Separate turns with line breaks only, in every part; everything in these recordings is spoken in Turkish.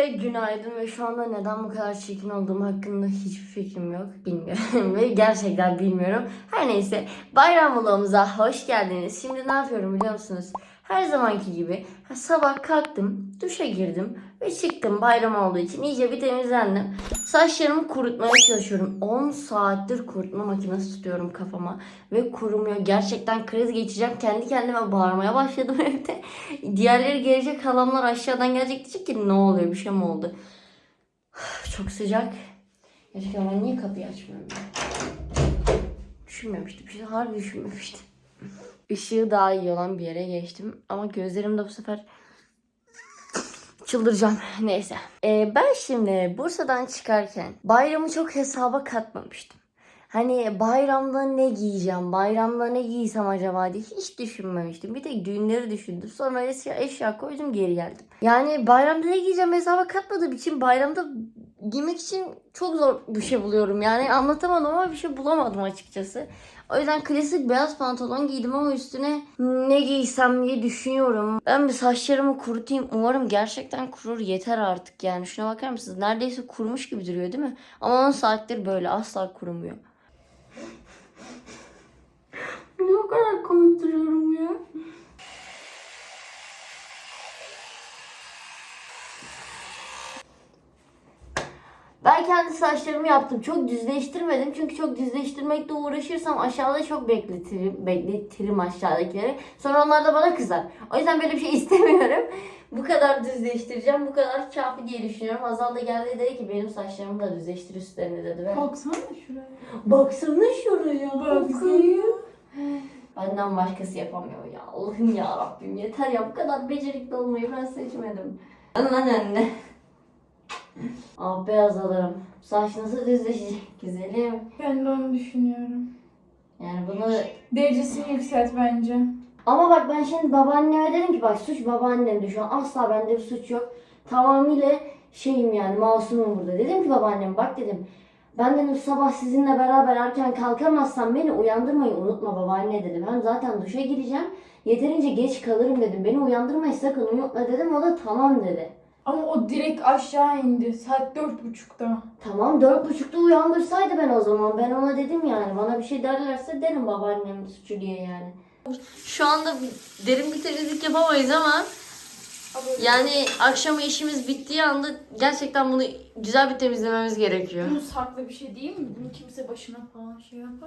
Herkese günaydın ve şu anda neden bu kadar çirkin olduğum hakkında hiçbir fikrim yok. Bilmiyorum ve gerçekten bilmiyorum. Her neyse, bayram vlogumuza hoş geldiniz. Şimdi ne yapıyorum biliyor musunuz? Her zamanki gibi sabah kalktım, duşa girdim ve çıktım bayram olduğu için iyice bir temizlendim. Saçlarımı kurutmaya çalışıyorum. 10 saattir kurutma makinesi tutuyorum kafama ve kurumuyor. Gerçekten kriz geçeceğim. Kendi kendime bağırmaya başladım evde. Diğerleri gelecek, halamlar aşağıdan gelecek, diyecek ki ne oluyor, bir şey mi oldu? Çok sıcak. Gerçekten ben niye kapıyı açmıyorum ya? Düşünmemiştim. Harbi düşünmemiştim. Işığı daha iyi olan bir yere geçtim. Ama gözlerimde bu sefer çıldıracağım. Neyse. Ben şimdi Bursa'dan çıkarken bayramı çok hesaba katmamıştım. Hani bayramda ne giyeceğim, bayramda ne giysem acaba diye hiç düşünmemiştim. Bir tek düğünleri düşündüm. Sonra eşya koydum, geri geldim. Yani bayramda ne giyeceğim hesaba katmadığım için bayramda giymek için çok zor bir şey buluyorum. Yani anlatamam ama bir şey bulamadım açıkçası. O yüzden klasik beyaz pantolon giydim ama üstüne ne giysem diye düşünüyorum. Ben bir saçlarımı kurutayım. Umarım gerçekten kurur, yeter artık yani. Şuna bakar mısınız? Neredeyse kurumuş gibi duruyor değil mi? Ama 10 saattir böyle asla kurumuyor. Ne o kadar komik duruyorum ya. Ben kendi saçlarımı yaptım. Çok düzleştirmedim. Çünkü çok düzleştirmekle uğraşırsam aşağıda çok bekletirim aşağıdakileri. Sonra onlar da bana kızar. O yüzden böyle bir şey istemiyorum. Bu kadar düzleştireceğim. Bu kadar kafi diye düşünüyorum. Hazal da geldi, dedi ki benim saçlarımı da düzleştir üstlerini, dedi.
Baksana şuraya.
Baksana şuraya.
Baksana.
Benden başkası yapamıyor ya. Allah'ım ya Rabbim, yeter ya, bu kadar becerikli olmayı ben seçmedim. Anne. Ah beyaz alırım. Saç nasıl düzleşecek güzelim.
Ben de onu düşünüyorum.
Yani bunu...
Derecesini yükselt bence.
Ama bak ben şimdi babaanneme dedim ki bak suç babaannemde, şu an asla bende bir suç yok. Tamamıyla şeyim yani, masumum burada. Dedim ki babaannem bak dedim. Ben dedim sabah sizinle beraber erken kalkamazsam beni uyandırmayı unutma babaanne dedim. Hem zaten duşa gireceğim. Yeterince geç kalırım dedim. Beni uyandırmayı sakın unutma dedim. O da tamam dedi.
Ama o direkt aşağı indi. Saat 4.30'da.
Tamam 4.30'da uyandırsaydı ben o zaman. Ben ona dedim yani. Bana bir şey derlerse derim babaannemin suçu diye yani. Şu anda derin bir temizlik yapamayız ama yani akşama işimiz bittiği anda gerçekten bunu güzel bir temizlememiz gerekiyor.
Bunu saklı bir şey değil mi? Bunu kimse başına falan şey yapar.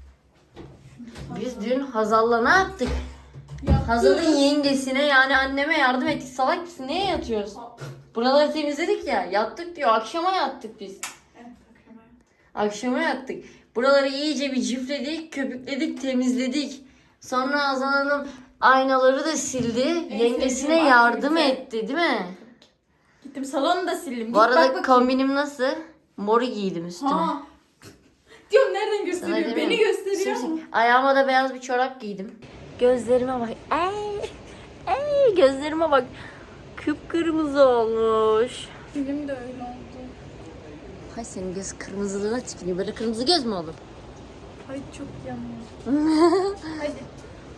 Biz dün Hazal'la ne yaptık? Hazal'ın yengesine yani anneme yardım ettik. Salak mısın? Neye yatıyoruz? Buraları temizledik ya. Yattık diyor. Akşama yattık biz.
Evet,
Akşama yattık. Buraları iyice bir cifledik, köpükledik, temizledik. Sonra Hazal Hanım aynaları da sildi. Yengesine
sevdiğim
yardım
aktivite.
etti değil mi?
Gittim salonu da sildim.
Bu arada kombinim nasıl? Moru giydim üstüme.
Ha. Diyorum nereden
Sana
gösteriyor?
değil
Beni
mi?
gösteriyor.
Ayağıma da beyaz bir çorap giydim. Gözlerime bak. Ey, gözlerime bak. Kıpkırmızı olmuş.
Benim de öyle oldu.
Hay senin göz kırmızılığına tükürüyor. Böyle kırmızı göz mü olur?
Ay çok yanıyor. Hadi.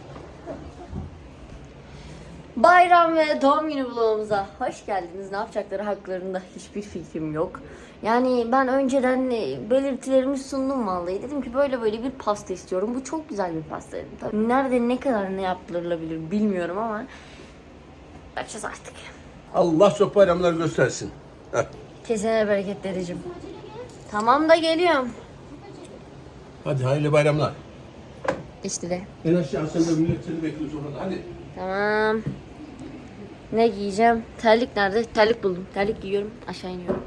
Bayram ve doğum günü vlogumuza hoş geldiniz. Ne yapacakları haklarında hiçbir fikrim yok. Yani ben önceden belirtilerimi sundum vallahi. Dedim ki böyle bir pasta istiyorum. Bu çok güzel bir pasta dedim. Tabii nerede ne kadar ne yaptırılabilir bilmiyorum ama yapacağız artık.
Allah çok bayramlar göstersin. Heh.
Kesene bereket dedeciğim. Tamam da geliyorum.
Hadi hayırlı bayramlar.
İşte de.
En aşağı sen de millet seni bekliyor sonra da. Hadi.
Tamam. Ne giyeceğim? Terlik nerede? Terlik buldum. Terlik giyiyorum. Aşağı iniyorum.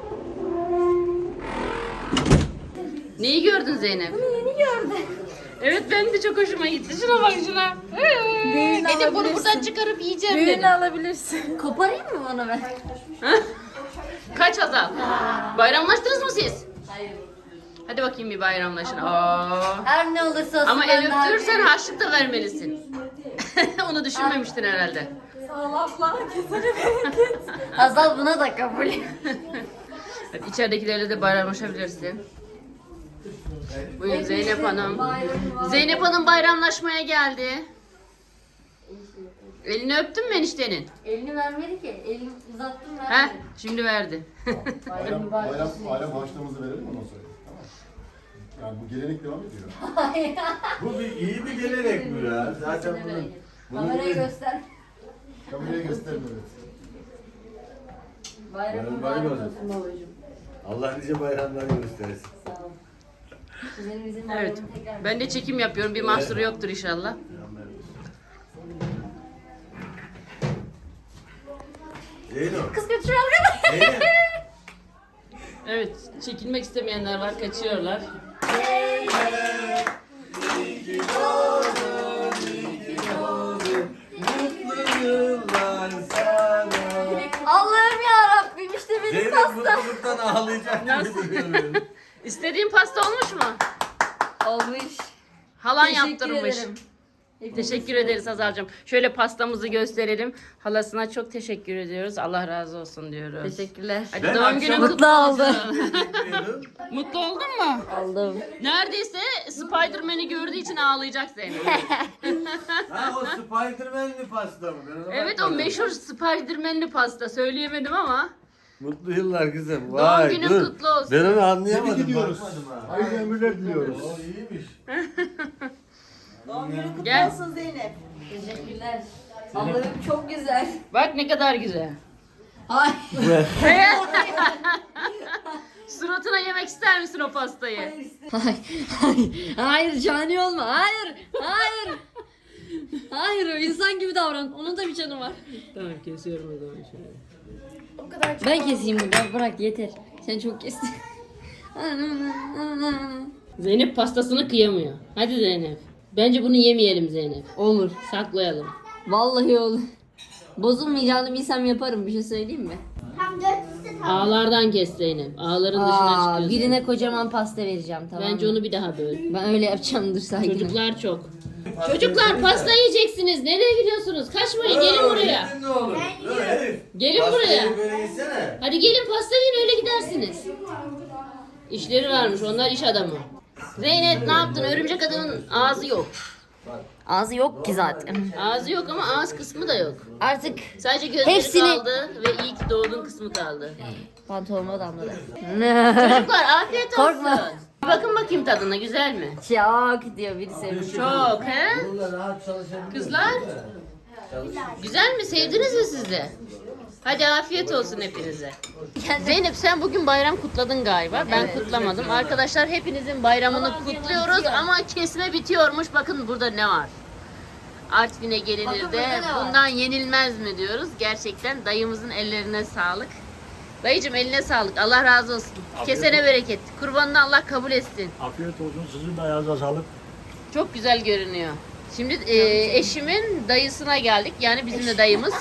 Neyi gördün Zeynep?
Yeni gördüm.
Evet benim de çok hoşuma gitti. Şuna bak şuna. Dedim bunu buradan çıkarıp yiyeceğim
Büyüğünü
dedim.
alabilirsin.
Koparayım mı onu ben? Kaç Hazal? Bayramlaştınız mı siz? Hayır. Hadi bakayım bir bayramlaşın. Her ne olursa olsun.
Ama
ben
el
daha-
öptürürsen harçlık da vermelisin. Onu düşünmemiştin herhalde.
Sağ ol abla. Kesene bereket.
Hazal buna da kabul.
Hadi içeridekilerle de bayramlaşabilirsin. Buyurun Zeynep Hanım. Zeynep Hanım bayramlaşmaya geldi. Elini öptün mü eniştenin?
Elini vermedi ki. Elini uzattım
Heh,
vermedi.
şimdi verdi.
Bayram
Bayram
olsun.
harçlığımızı verelim ondan sonra. Tamam. Yani bu gelenek devam ediyor.
Bu bir iyi bir gelenek bu ya. Zaten bunun
Kamerayı göster.
Kameraya gösterin evet.
Bayramın
Bayram
mübarek
olsun.
olsun babacığım.
Allah nice bayramlar göstersin.
Sağ ol. Kuzenimizin
Evet.
bayramını tekrar.
Ben de çekim yapıyorum. Bir mahsuru yoktur inşallah.
Zeyno.
Kız götürüyor arkadaş.
Zeynep.
Evet. Çekilmek istemeyenler var. Kaçıyorlar.
Mutlu yıllar sana.
Allah'ım ya Rabbim işte benim
Zeynep
pasta.
mutluluktan ağlayacak
Nasıl?
gibi duruyor.
İstediğin pasta olmuş mu?
Olmuş.
Halan
Teşekkür
yaptırmış.
ederim.
Teşekkür ederiz Hazal'cığım. Şöyle pastamızı gösterelim. Halasına çok teşekkür ediyoruz. Allah razı olsun diyoruz.
Teşekkürler.
Hadi
Ben
doğum günün
akşam-
kutlu
Mutlu
olsun. Mutlu oldun mu?
Aldım.
Neredeyse Spider-Man'i gördüğü için ağlayacak Zeynep.
Ha o Spiderman'li pasta mı? Ben ona
Evet o
bakmadım.
meşhur Spider-Man'li pasta. Söyleyemedim ama.
Mutlu yıllar kızım.
Doğum
Vay
günün
dur.
kutlu olsun.
Ben onu anlayamadım.
Tebrik ediyoruz.
Bakmadım ha.
Hayırlı ömürler diliyoruz.
O iyiymiş.
Doğum günün kutlu
Gel.
olsun Zeynep.
Teşekkürler. Allah'ım çok güzel.
Bak ne kadar güzel.
Ay.
Suratına yemek ister misin o pastayı?
Hayır cani olma. Hayır. Hayır. Hayır insan gibi davran. Onun da bir canı var.
Tamam kesiyorum o zaman şöyle.
Ben keseyim burada. Bırak yeter. Sen çok kestin.
Zeynep pastasını kıyamıyor. Hadi Zeynep. Bence bunu yemeyelim Zeynep.
Olur.
Saklayalım.
Vallahi olur. Bozulmayacağını bilsem yaparım. Bir şey söyleyeyim mi?
Ağlardan kes Zeynep. Ağların dışına
Aa,
çıkıyorsun.
birine kocaman pasta vereceğim tamam
Bence
mı?
onu bir daha böl.
Ben öyle yapacağım dur sakin ol.
Çocuklar çok. Çocuklar pasta yiyeceksiniz. Nereye gidiyorsunuz? Kaçmayın. Gelin buraya.
Yedin ne olur? Dur herif.
Gelin
Pastayı
buraya.
böyle yesene.
Hadi gelin pasta yiyin öyle gidersiniz. İşleri varmış. Onlar iş adamı. Zeynep ne yaptın? Örümcek adamın ağzı yok.
Ağzı yok ki zaten.
Ağzı yok ama ağız kısmı da yok.
Artık
Sadece gözleri
Hepsini-
kaldı ve iyi ki doğdun kısmı kaldı.
pantolonuma damladı.
Çocuklar afiyet olsun.
Korkma.
Bir bakın bakayım tadına güzel mi?
Çok diyor biri sevmiş.
Çok he?
Bununla rahat çalışabilirsin.
Kızlar? Güzel mi? Sevdiniz mi siz de? Hadi afiyet olsun hepinize. Zeynep sen bugün bayram kutladın galiba. Ben kutlamadım. Arkadaşlar hepinizin bayramını kutluyoruz ama kesme bitiyormuş. Bakın burada ne var? Artvin'e gelinir de bundan yenilmez mi diyoruz. Gerçekten dayımızın ellerine sağlık. Dayıcım eline sağlık. Allah razı olsun. Kesene bereket. Kurbanını Allah kabul etsin.
Afiyet olsun. Sizin de ayağınıza sağlık.
Çok güzel görünüyor. Şimdi eşimin dayısına geldik. Yani bizim de dayımız.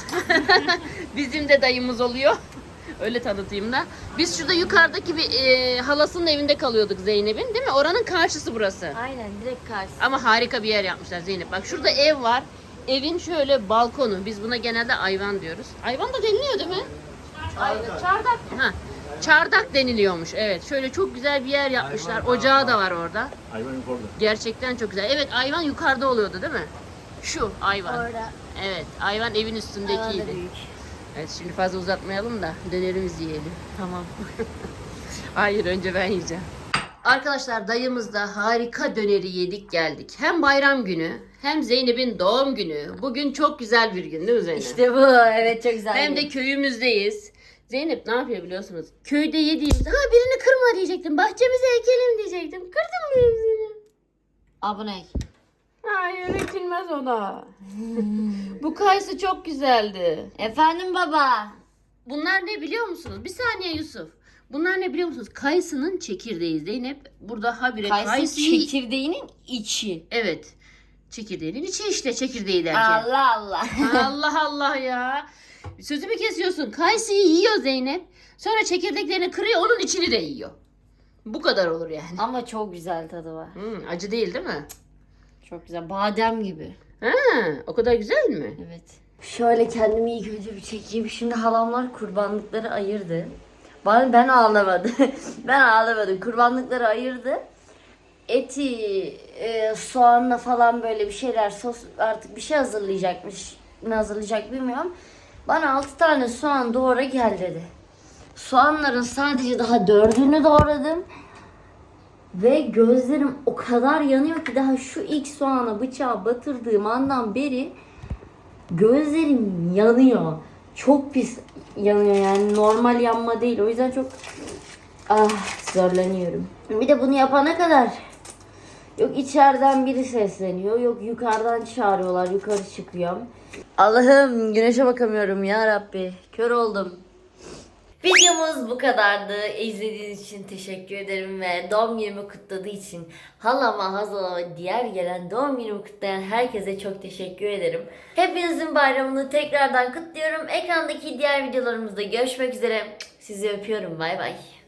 Bizim de dayımız oluyor. Öyle tanıtayım da. Biz şurada yukarıdaki bir halasının evinde kalıyorduk Zeynep'in. Değil mi? Oranın karşısı burası.
Aynen direkt karşı.
Ama harika bir yer yapmışlar Zeynep. Bak şurada ev var. Evin şöyle balkonu. Biz buna genelde ayvan diyoruz. Ayvan da deniliyor değil mi? Çardak. Ha. Çardak deniliyormuş. Evet. Şöyle çok güzel bir yer yapmışlar. Ocağı da var orada.
Hayvan yukarıda.
Gerçekten çok güzel. Evet ayvan yukarıda oluyordu değil mi? Şu ayvan.
Orada.
Evet ayvan evin
Alan da
üstündekiydi.
büyük.
Evet şimdi fazla uzatmayalım da dönerimizi yiyelim.
Tamam.
Hayır önce ben yiyeceğim. Arkadaşlar dayımızda harika döneri yedik geldik. Hem bayram günü hem Zeynep'in doğum günü. Bugün çok güzel bir gün değil mi Zeynep?
İşte bu. Evet çok güzel.
Hem de köyümüzdeyiz. Zeynep ne yapıyor biliyorsunuz? Köyde yediğimizde birini kırma diyecektim. Bahçemize ekelim diyecektim. Kırdın mı hepsini?
Abone.
Hayır ekilmez o da. Bu kayısı çok güzeldi.
Efendim baba.
Bunlar ne biliyor musunuz? Bir saniye Yusuf. Bunlar ne biliyor musunuz? Kayısının çekirdeği Zeynep. Burada habire
Kayısı
kayısıyı...
çekirdeğinin içi.
Evet. Çekirdeğinin içi işte çekirdeği derken.
Allah Allah.
Allah Allah ya. Sözümü kesiyorsun. Kayısıyı yiyor Zeynep. Sonra çekirdeklerini kırıyor onun içini de yiyor. Bu kadar olur yani.
Ama çok güzel tadı var.
Acı değil değil mi?
Çok güzel. Badem gibi.
Ha, o kadar güzel mi?
Evet. Şöyle kendimi ilk önce bir çekeyim. Şimdi halamlar kurbanlıkları ayırdı. Ben ağlamadım. Ben ağlamadım. Kurbanlıkları ayırdı. Eti, soğanla falan böyle bir şeyler, sos artık bir şey hazırlayacakmış mi hazırlayacak bilmiyorum. Bana 6 tane soğan doğra gel dedi. Soğanların sadece daha 4'ünü doğradım. Ve gözlerim o kadar yanıyor ki daha şu ilk soğana bıçağı batırdığım andan beri gözlerim yanıyor. Çok pis yanıyor yani, normal yanma değil. O yüzden çok zorlanıyorum. Bir de bunu yapana kadar yok içeriden biri sesleniyor, yok yukarıdan çağırıyorlar, yukarı çıkıyorum. Allah'ım, güneşe bakamıyorum ya Rabbi. Kör oldum. Videomuz bu kadardı. İzlediğiniz için teşekkür ederim ve doğum günümü kutladığı için halama, hazalama, diğer gelen doğum günümü kutlayan herkese çok teşekkür ederim. Hepinizin bayramını tekrardan kutluyorum. Ekrandaki diğer videolarımızda görüşmek üzere. Sizi öpüyorum. Bay bay.